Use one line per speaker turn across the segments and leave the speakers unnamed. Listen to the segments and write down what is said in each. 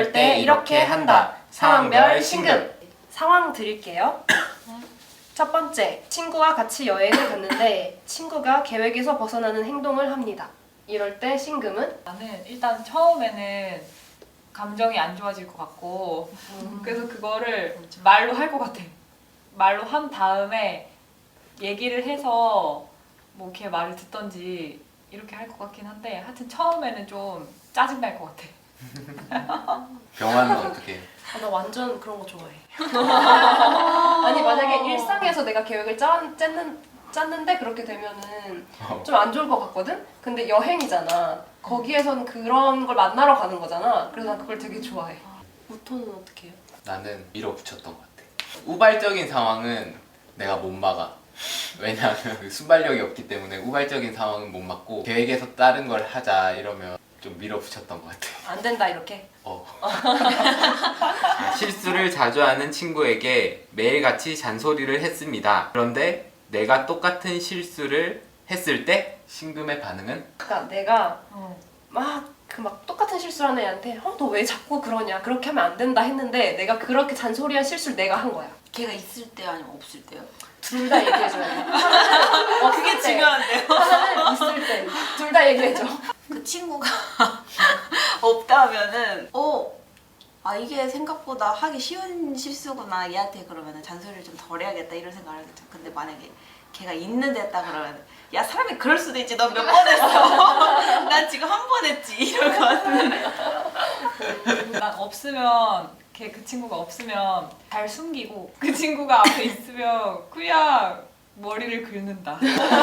이럴 때 이렇게 한다. 상황별 신급.
상황 드릴게요. 첫 번째, 친구와 같이 여행을 갔는데 친구가 계획에서 벗어나는 행동을 합니다. 이럴 때 신금은?
나는 일단 처음에는 감정이 안 좋아질 것 같고 그래서 그거를 말로 할 것 같아. 말로 한 다음에 얘기를 해서 뭐 걔 말을 듣던지 이렇게 할 것 같긴 한데 하여튼 처음에는 좀 짜증날 것 같아.
병화는 어떻게 해?
나 완전 그런 거 좋아해. 아니 만약에 일상에서 내가 계획을 짰는데 그렇게 되면은 좀 안 좋을 것 같거든? 근데 여행이잖아. 거기에서는 그런 걸 만나러 가는 거잖아. 그래서 난 그걸 되게 좋아해. 우토는 어떻게 해요?
나는 밀어붙였던 것 같아. 우발적인 상황은 내가 못 막아. 왜냐하면 그 순발력이 없기 때문에 우발적인 상황은 못 막고 계획에서 다른 걸 하자 이러면 좀 밀어붙였던 것 같아.
안 된다 이렇게?
실수를 자주 하는 친구에게 매일같이 잔소리를 했습니다. 그런데 내가 똑같은 실수를 했을 때 신금의 반응은?
그러니까 내가 막 똑같은 실수를 하는 애한테 너 왜 자꾸 그러냐 그렇게 하면 안 된다 했는데 내가 그렇게 잔소리한 실수를 내가 한 거야.
걔가 있을 때 아니면 없을 때요?
둘 다 얘기해줘야 돼. 하나는
그게 중요한데요.
하나는 있을 때. 둘 다 얘기해줘.
그 친구가 없다면은 이게 생각보다 하기 쉬운 실수구나 얘한테 그러면은 잔소리를 좀 덜 해야겠다 이런 생각을 하겠죠. 근데 만약에 걔가 있는데 했다 그러면 야 사람이 그럴 수도 있지 넌 몇 번 했어. 난 지금 한 번 했지 이럴 것 같은데.
난 없으면 그 친구가 없으면 잘 숨기고 그 친구가 앞에 있으면 그냥 머리를 긁는다.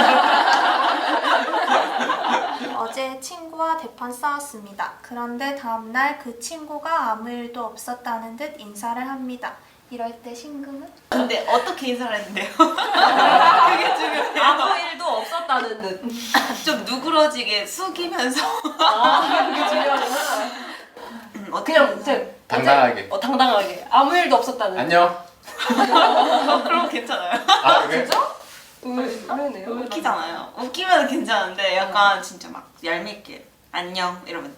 어제 친구와 대판 싸웠습니다. 그런데 다음날 그 친구가 아무 일도 없었다는 듯 인사를 합니다. 이럴 때 신금은?
근데 어떻게 인사를 했는데요? 그게 중요해요.
아무 일도 없었다는 듯.
좀 누그러지게 숙이면서
그게 중요하구나.
어떻게
그냥 이제
당당하게.
당당하게. 아무 일도 없었다는 듯.
안녕.
그럼 괜찮아요.
아 그래?
의외네요.
웃기잖아요. 웃기면 괜찮은데 약간 진짜 막 얄밉게 안녕 이러면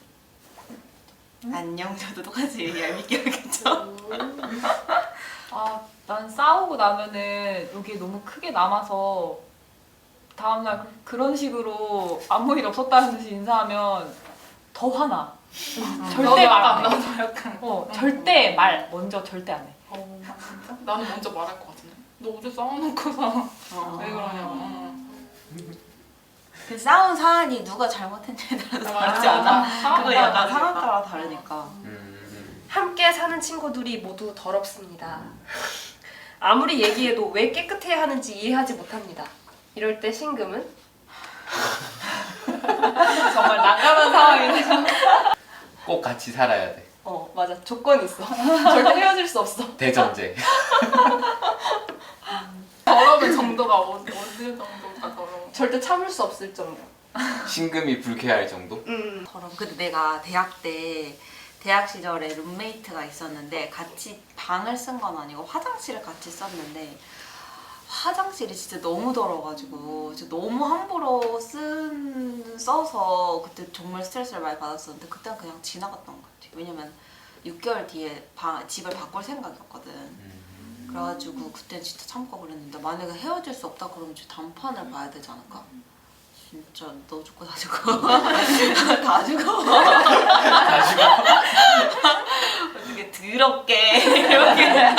안녕 저도 똑같이 얄밉게 하겠죠.
난 싸우고 나면은 여기 너무 크게 남아서 다음날 그런 식으로 아무 일 없었다는 듯이 인사하면 더 화나. 절대 말 안 해.
나도 약간
절대 말 먼저 절대 안 해.
진짜? 나는 먼저 말할 것 같은데. 너 어제 싸워놓고서 왜 그러냐고.
그 싸운 사안이 누가 잘못했냐에 따라서 다르지 않아? 그거 약간 사람 따라 다르니까.
함께 사는 친구들이 모두 더럽습니다. 아무리 얘기해도 왜 깨끗해야 하는지 이해하지 못합니다. 이럴 때 신금은?
정말 난감한 상황이네.
꼭 같이 살아야 돼.
맞아. 조건이 있어. 절대 헤어질 수 없어.
대전제.
더러운 정도가 어느 정도가 더러워?
절대 참을 수 없을 정도.
신금이 불쾌할 정도?
더러워. 근데 내가 대학 시절에 룸메이트가 있었는데 같이 방을 쓴 건 아니고 화장실을 같이 썼는데 화장실이 진짜 너무 더러워가지고 진짜 너무 함부로 써서 그때 정말 스트레스를 많이 받았었는데 그때는 그냥 지나갔던 것 같아요. 왜냐면 6개월 뒤에 집을 바꿀 생각이었거든. 그래가지고 그때 진짜 참고 그랬는데 만약에 헤어질 수 없다 그러면 진짜 단판을 봐야 되지 않을까? 진짜 너 죽고 다 죽어. 다 죽어.
다 죽어.
어떻게 더럽게 이렇게.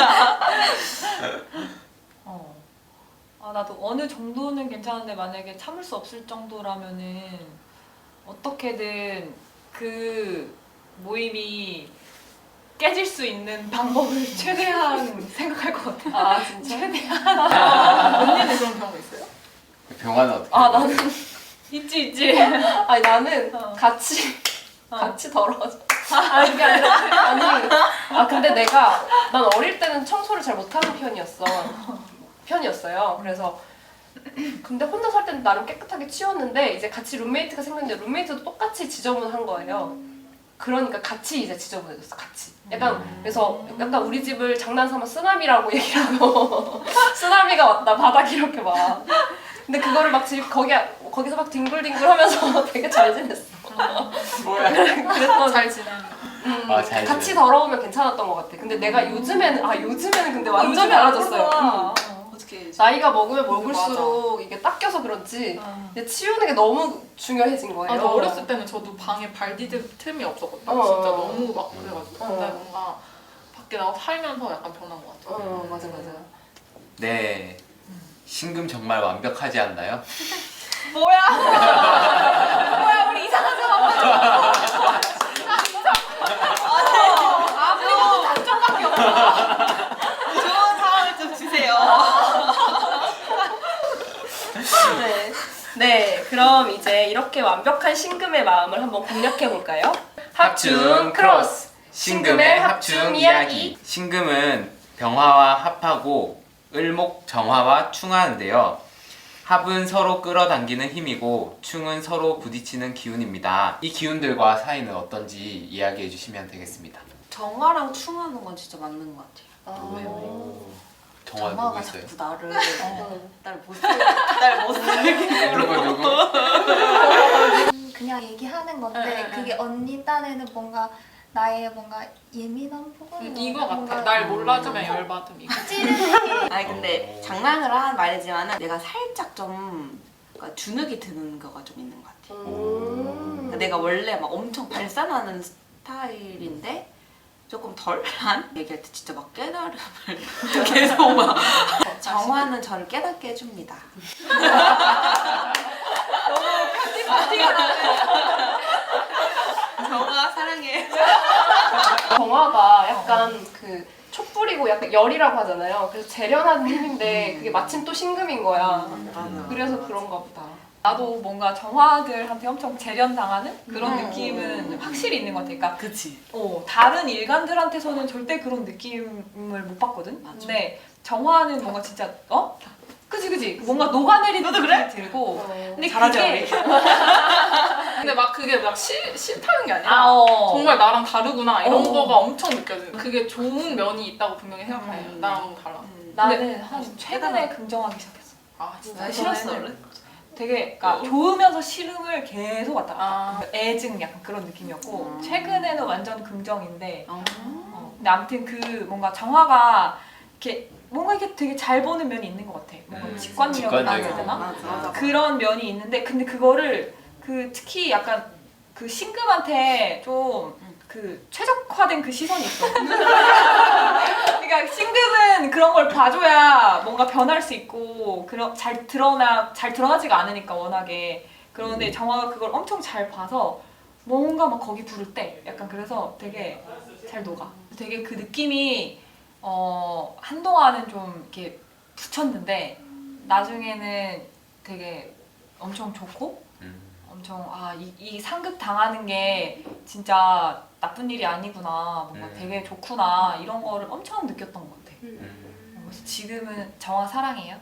나도 어느 정도는 괜찮은데 만약에 참을 수 없을 정도라면은 어떻게든 그 모임이 깨질 수 있는 방법을 최대한 생각할 것 같아.
진짜?
최대한.
언니는 그런 경우 있어요?
병화는 어떻게?
나는
있지.
아니 나는 같이 더러워져. 그게 아니라 근데 난 어릴 때는 청소를 잘 못하는 편이었어요. 그래서 근데 혼자 살 때는 나름 깨끗하게 치웠는데 이제 같이 룸메이트가 생겼는데 룸메이트도 똑같이 지저분한 거예요. 그러니까 같이 이제 지저분해졌어. 같이. 그래서 약간 우리 집을 장난삼아 쓰나미라고 얘기를 하고 쓰나미가 왔다 바닥 이렇게 막. 근데 그거를 막 거기서 막 뒹굴뒹굴 하면서 되게 잘 지냈어.
뭐야?
그랬던
잘 지내.
잘
같이
지내요.
더러우면 괜찮았던 것 같아. 근데 내가 요즘에는 근데 완전히
요즘에
달라졌어요.
안
어떻게 해야지?
나이가 먹으면 먹을수록 이게 닦여서 그런지 이제 치우는 게 너무 중요해진 거예요.
아, 저 어렸을 때는 저도 방에 발 디딜 틈이 없었거든요.
어.
진짜 너무 막 그래가지고.
어.
근데 뭔가 밖에 나가 살면서 약간 변한 것 같아요.
맞아.
네. 신금 정말 완벽하지 않나요?
뭐야 우리 이상한 상황 아무리 단점밖에 없어.
좋은 상황을 좀 주세요.
네, 그럼 이제 이렇게 완벽한 신금의 마음을 한번 공략해 볼까요?
합충 크로스 신금의 합충 이야기. 신금은 병화와 합하고 을목 정화와 충하인데요. 합은 서로 끌어당기는 힘이고 충은 서로 부딪히는 기운입니다. 이 기운들과 사이는 어떤지 이야기해 주시면 되겠습니다.
정화랑 충하는 건 진짜 맞는 것 같아요.
정화 누구
정화가
있어요?
자꾸 날 못살게
누구?
그냥 얘기하는 건데
응.
그게 언니 딴에는 뭔가 나의 뭔가 예민한 부분
이거 같아. 날 몰라주면 열받음 이거.
아니 근데 장난으로 한 말이지만 내가 살짝 좀 그러니까 주눅이 드는 거가 좀 있는 것 같아. 그러니까 내가 원래 막 엄청 발산하는 스타일인데 조금 덜한 얘기할 때 진짜 막 깨달음을 계속 막 정화는 저를 깨닫게 해줍니다. 정화 사랑해.
정화가 약간 그 촛불이고 약간 열이라고 하잖아요. 그래서 재련하는 힘인데 그게 마침 또 신금인 거야. 그래서 그런가 보다.
나도 뭔가 정화들한테 엄청 재련당하는 그런 느낌은 확실히 있는 것 같아. 그러니까
그치.
다른 일간들한테서는 절대 그런 느낌을 못 받거든.
맞아.
근데 정화는 뭔가 진짜 그치 뭔가 녹아내리는 느낌이 들고. 근데
잘하죠,
그게
근데 막 그게 막 싫다는 게 아니라 정말 나랑 다르구나 이런 거가 엄청 느껴져요. 그게 좋은 면이 있다고 분명히 생각해요. 나랑 너무 달라.
나는 한 최근에 긍정하기 시작했어.
아 진짜
나 싫었어
그전에는
원래.
되게 그러니까 좋으면서 싫음을 계속 왔다 갔다.
아.
애증 약간 그런 느낌이었고 최근에는 완전 긍정인데.
어.
근데 아무튼 그 뭔가 정화가 이렇게 뭔가 이게 되게 잘 보는 면이 있는 것 같아. 뭔가 직관력이라고 해야
직관적이고.
되나?
맞아.
그런 면이 있는데 근데 그거를 특히 약간 그 신금한테 좀 그 최적화된 그 시선이 있어. 그러니까 신금은 그런 걸 봐줘야 뭔가 변할 수 있고 잘 드러나지가 않으니까 워낙에. 그런데 정화가 그걸 엄청 잘 봐서 뭔가 막 거기 부를 때 약간 그래서 되게 잘 녹아. 되게 그 느낌이 한동안은 좀 이렇게 붙였는데 나중에는 되게 엄청 좋고 엄청 이 상급 당하는 게 진짜 나쁜 일이 아니구나 뭔가 되게 좋구나 이런 거를 엄청 느꼈던 것 같아. 그래서 지금은 정화 사랑해요.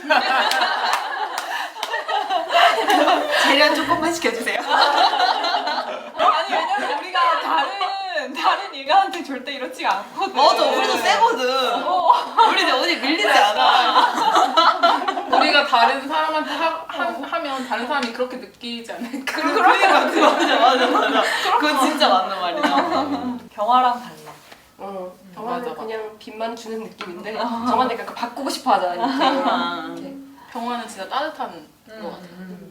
재련 조금만 시켜주세요.
아니 왜냐면 우리가 다른 일가한테 절대 이렇지가 않거든.
맞아, 우리도 세거든. 우리 어디 밀리지 않아.
우리가 다른 사람한테 하면 다른 사람이 그렇게 느끼지 않을까?
그러니까 맞아. 그건 진짜 맞는 말이야.
경화랑 달라.
정화는
맞아.
그냥 빛만 주는 느낌인데 정화는 약간 바꾸고 싶어 하잖아. 이렇게.
병화는 진짜 따뜻한 것 같아.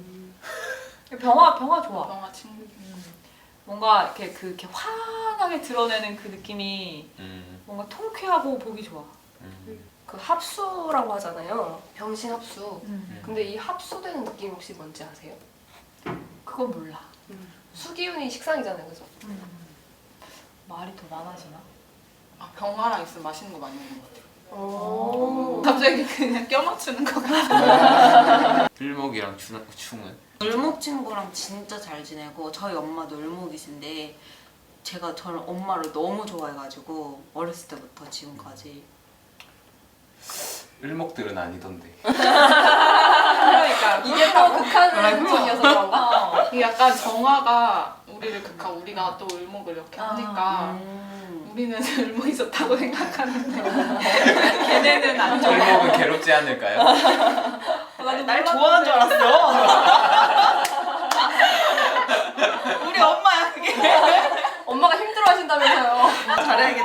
병화 좋아.
병화 친구.
뭔가 이렇게 환하게 드러내는 그 느낌이 뭔가 통쾌하고 보기 좋아.
그 합수라고 하잖아요. 병신 합수. 근데 이 합수되는 느낌 혹시 뭔지 아세요?
그건 몰라.
수기운이 식상이잖아요, 그죠?
말이 더 많아지나?
아, 병화랑 있으면 맛있는 거 많이 먹는 것 같아.
오.
갑자기 그냥 껴맞추는 것 같아.
을목이랑 충은
을목 친구랑 진짜 잘 지내고 저희 엄마도 을목이신데 제가 저는 엄마를 너무 좋아해가지고 어렸을 때부터 지금까지
을목들은 아니던데.
그러니까
이게 또 극한 부분이어서 그런가?
이게 약간 정화가 우리를 극하고 우리가 또 을목을 이렇게 하니까 우리는 을목이 좋다고 생각하는데
걔네는 안 좋아.
을목은 괴롭지 않을까요?
날 좋아하는 줄 알았어. 우리 엄마야 그게.
엄마가 힘들어하신다 하신다면서요.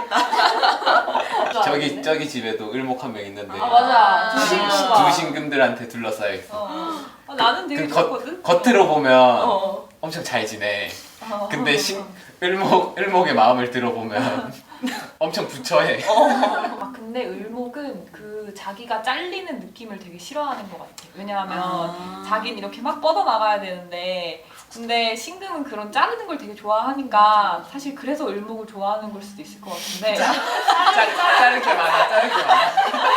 잘해야겠다.
저기 집에도 을목 한 명 있는데
아 맞아.
두
두신구가.
신금들한테 둘러싸여 있어.
나는 되게
그
좋거든.
겉으로 보면
어.
엄청 잘 지내. 근데 을목의 마음을 들어보면 엄청 부처해.
아 근데 을목은 그 자기가 잘리는 느낌을 되게 싫어하는 것 같아. 왜냐하면 자기는 이렇게 막 뻗어 나가야 되는데 근데 신금은 그런 자르는 걸 되게 좋아하니까 사실 그래서 을목을 좋아하는 걸 수도 있을 것 같은데.
자를 게 많아.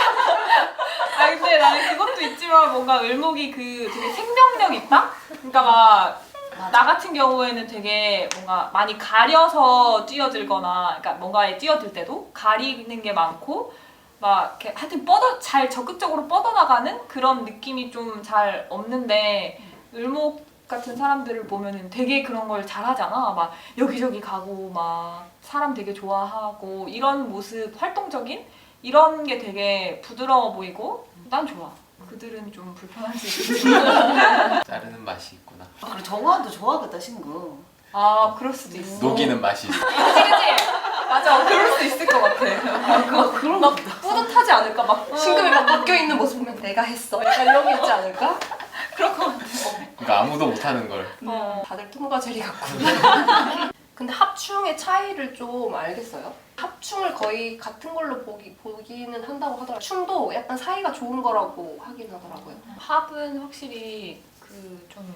아 근데 나는 그것도 있지만 뭔가 을목이 그 되게 생명력 있다? 그러니까 막 나 같은 경우에는 되게 뭔가 많이 가려서 뛰어들거나 그러니까 뭔가에 뛰어들 때도 가리는 게 많고 막 이렇게 하여튼 잘 적극적으로 뻗어나가는 그런 느낌이 좀 잘 없는데 을목 같은 사람들을 보면은 되게 그런 걸 잘하잖아. 막 여기저기 가고 막 사람 되게 좋아하고 이런 모습 활동적인 이런 게 되게 부드러워 보이고 난 좋아. 그들은 좀 불편할 수 있지만
자르는 맛이 있구나.
그리고 정화도 좋아하겠다 신금.
아 그럴 수도 있어.
녹이는 맛이 있어.
그치? 맞아. 그럴 수 있을 것 같아.
그런
막 뿌듯하지 않을까? 막 신금이 막 바뀌어 있는 모습 보면 내가 했어. 약간 이런 게 있지 않을까?
그럴 것 같아.
그러니까 아무도 못하는 걸.
다들 통과 제리 같구나. 근데 합충의 차이를 좀 알겠어요? 합충을 거의 같은 걸로 보기는 한다고 하더라고요. 충도 약간 사이가 좋은 거라고 하긴 하더라고요.
합은 확실히 그 좀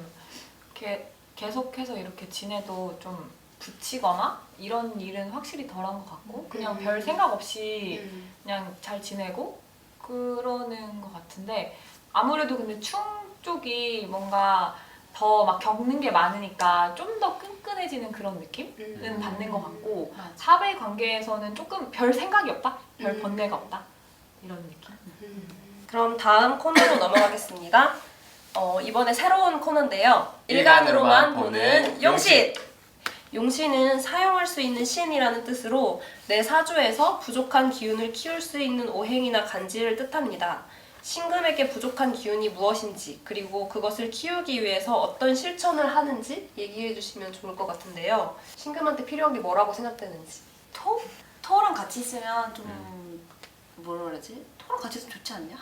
계속해서 이렇게 지내도 좀 붙이거나 이런 일은 확실히 덜한 것 같고 그냥 별 생각 없이 그냥 잘 지내고 그러는 것 같은데 아무래도 근데 충 쪽이 뭔가 더 막 겪는 게 많으니까 좀 더 끈끈해지는 그런 느낌은 받는 것 같고 합의 관계에서는 조금 별 생각이 없다? 별 번뇌가 없다? 이런 느낌?
그럼 다음 코너로 넘어가겠습니다. 이번에 새로운 코너인데요.
일간으로만
일간으로만
보는
보는 용신! 용신은 사용할 수 있는 신이라는 뜻으로 내 사주에서 부족한 기운을 키울 수 있는 오행이나 간지를 뜻합니다. 신금에게 부족한 기운이 무엇인지 그리고 그것을 키우기 위해서 어떤 실천을 하는지 얘기해 주시면 좋을 것 같은데요. 신금한테 필요한 게 뭐라고 생각되는지.
토랑 같이 있으면 좀 뭐라 그러지? 토랑 같이 있으면 좋지 않냐?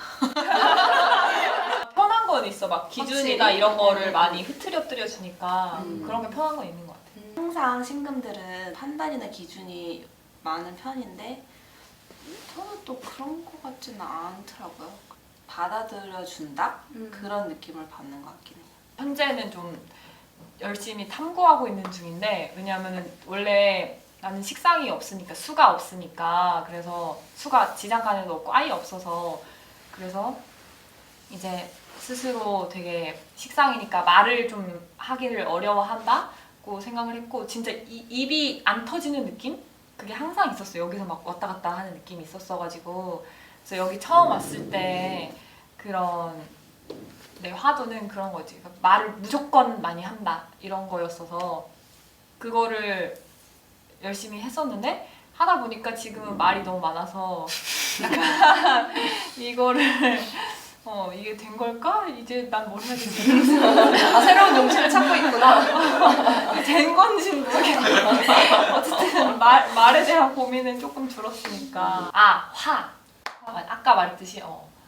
편한 건 있어. 막 기준이나
확실히?
이런 거를 많이 흐트러뜨려 주니까 그런 게 편한 건 있는 것 같아.
항상 신금들은 판단이나 기준이 많은 편인데 저는 또 그런 거 같지는 않더라고요. 받아들여 준다? 그런 느낌을 받는 것 같긴 해요.
현재는 좀 열심히 탐구하고 있는 중인데 왜냐하면은 원래 나는 식상이 없으니까 수가 없으니까 그래서 수가 지장간에도 없고 아예 없어서 그래서 이제 스스로 되게 식상이니까 말을 좀 하기를 어려워한다고 생각을 했고 진짜 입이 안 터지는 느낌? 그게 항상 있었어요. 여기서 막 왔다 갔다 하는 느낌이 있었어가지고 그래서 여기 처음 왔을 때 그런 내 화두는 그런 거지. 그러니까 말을 무조건 많이 한다 이런 거였어서 그거를 열심히 했었는데 하다 보니까 지금은 말이 너무 많아서 약간 이거를 이게 된 걸까? 이제 난 뭘 해야 되지?
아, 새로운 용신을 찾고 있구나.
된 건지 모르겠는데 어쨌든 말에 대한 고민은 조금 줄었으니까 화 아까 말했듯이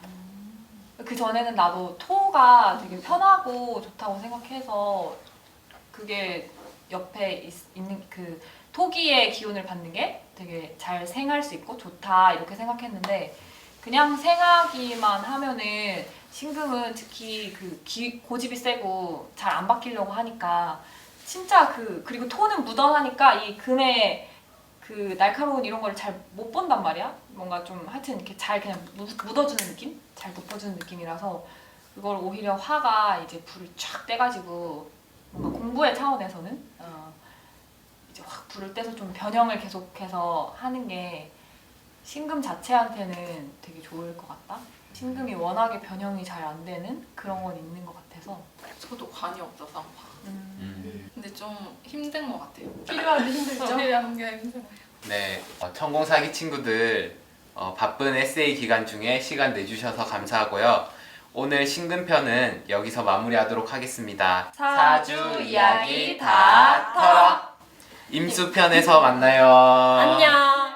그 전에는 나도 토가 되게 편하고 좋다고 생각해서 그게 옆에 있는 그 토기의 기운을 받는 게 되게 잘 생할 수 있고 좋다 이렇게 생각했는데 그냥 생하기만 하면은 신금은 특히 그 고집이 세고 잘 안 바뀌려고 하니까 진짜 그리고 토는 무던하니까 이 금의 그 날카로운 이런 거를 잘 못 본단 말이야. 뭔가 좀 하여튼 이렇게 잘 그냥 묻어주는 느낌? 잘 덮어주는 느낌이라서 그걸 오히려 화가 이제 불을 쫙 떼가지고 뭔가 공부의 차원에서는 이제 확 불을 떼서 좀 변형을 계속해서 하는 게 신금 자체한테는 되게 좋을 것 같다. 신금이 워낙에 변형이 잘 안 되는 그런 건 있는 것 같아서
저도 관이 없어서 한파. 근데 좀 힘든 것 같아요.
필요한데 힘들죠?
필요한 게 힘들어요.
네, 천공사기 친구들 바쁜 에세이 기간 중에 시간 내주셔서 감사하고요. 오늘 신금편은 여기서 마무리하도록 하겠습니다.
사주 이야기 다 털어.
임수편에서 만나요.
안녕.